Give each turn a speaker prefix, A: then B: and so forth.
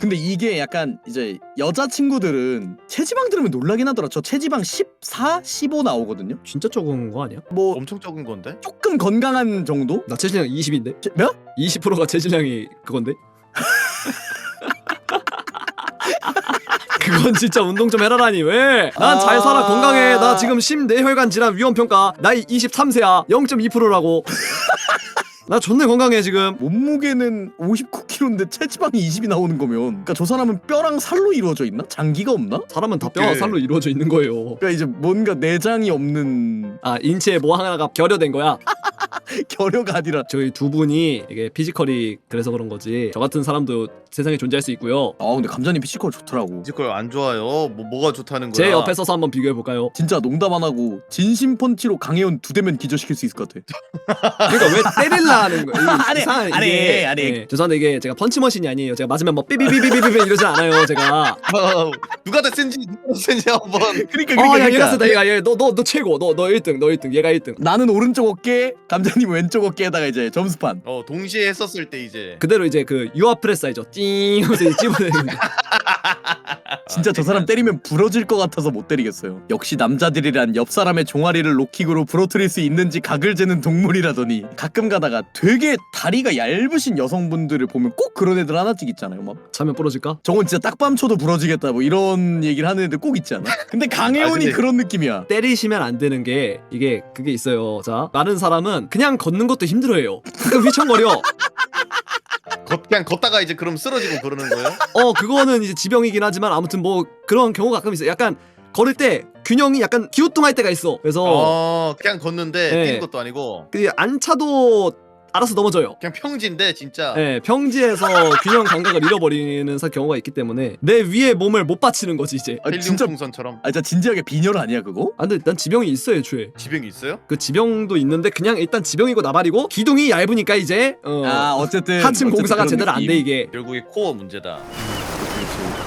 A: 근데 이게 약간 이제 여자친구들은 체지방 들으면 놀라긴 하더라. 저 체지방 14, 15 나오거든요.
B: 진짜 적은 거 아니야?
A: 뭐
C: 엄청 적은 건데?
A: 조금 건강한 정도?
B: 나 체질량 20인데?
A: 몇?
B: 20%가 체질량이 그건데? 그건 진짜 운동 좀 해라라니 왜? 난 잘 살아 건강해. 나 지금 심뇌혈관 질환 위험평가 나이 23세야 0.2%라고. 나 존나 건강해 지금.
A: 몸무게는 59kg인데 체지방이 20이 나오는 거면 그러니까 저 사람은 뼈랑 살로 이루어져 있나? 장기가 없나?
B: 사람은 다 뼈와 살로 이루어져 있는 거예요.
A: 그러니까 이제 뭔가 내장이 없는
B: 아 인체에 뭐 하나가 결여된 거야.
A: 결여가 아니라
B: 저희 두 분이 이게 피지컬이 그래서 그런 거지. 저 같은 사람도 세상에 존재할 수 있고요.
A: 근데 감자님 피지컬 좋더라고.
C: 피지컬 안 좋아요. 뭐가 좋다는 거야?
B: 제 옆에 서서 한번 비교해 볼까요?
A: 진짜 농담 안 하고 진심 펀치로 강혜원 2대면 기절시킬 수 있을 것 같아.
B: 그러니까 왜 때릴라 하는 거야?
A: 아니,
B: 이상한
A: 아니,
B: 이게,
A: 아니.
B: 예, 죄송한데 이게 제가 펀치머신이 아니에요. 제가 맞으면 뭐 삐비비비비비 이러지 않아요. 제가.
C: 누가 더 센지 한번.
A: 그러니까
B: 야 얘가 세다 얘가 너 최고. 너 1등 너 1등 얘가 1등.
A: 나는 오른쪽 어깨, 감자님 왼쪽 어깨에다가 이제 점수판.
C: 동시에 했었을 때 이제
B: 그대로 이제 그 유아 프레스 알죠? 띵 하면서 찝어내는.
A: 진짜 저 사람 때리면 부러질 것 같아서 못 때리겠어요. 역시 남자들이란 옆 사람의 종아리를 록킥으로 부러뜨릴 수 있는지 각을 재는 동물이라더니 가끔 가다가 되게 다리가 얇으신 여성분들을 보면 꼭 그런 애들 하나씩 있잖아요. 막
B: 차면 부러질까?
A: 저건 진짜 딱밤쳐도 부러지겠다 뭐 이런 얘기를 하는 애들 꼭 있지 않아? 근데 강혜원이
C: 근데-
A: 그런 느낌이야.
B: 때리시면 안 되는 게 이게 그게 있어요. 자 많은 사람은 그냥 걷는 것도 힘들어해요. 가끔 휘청거려.
C: 그냥 걷다가 이제 그럼 쓰러지고 그러는 거예요?
B: 그거는 이제 지병이긴 하지만 아무튼 뭐 그런 경우가 가끔 있어요. 약간 걸을 때 균형이 약간 기우뚱할 때가 있어. 그래서
C: 그냥 걷는데
B: 네.
C: 뛰는 것도 아니고
B: 그 안차도 알아서 넘어져요.
C: 그냥 평지인데 진짜.
B: 네, 평지에서 균형 감각을 잃어버리는 경우가 있기 때문에 내 위에 몸을 못 받치는 거지 이제.
A: 아,
C: 헬륨
A: 진짜
C: 풍선처럼.
A: 진짜 진지하게 빈혈 아니야 그거?
B: 근데 난 지병이 있어 애초에.
C: 지병이 있어요?
B: 그 지병도 있는데 그냥 일단 지병이고 나발이고 기둥이 얇으니까 이제
A: 어쨌든
B: 하층 공사가
A: 그런
B: 제대로 안 돼
A: 느낌.
B: 이게.
C: 결국에 코어 문제다.
A: 그렇지.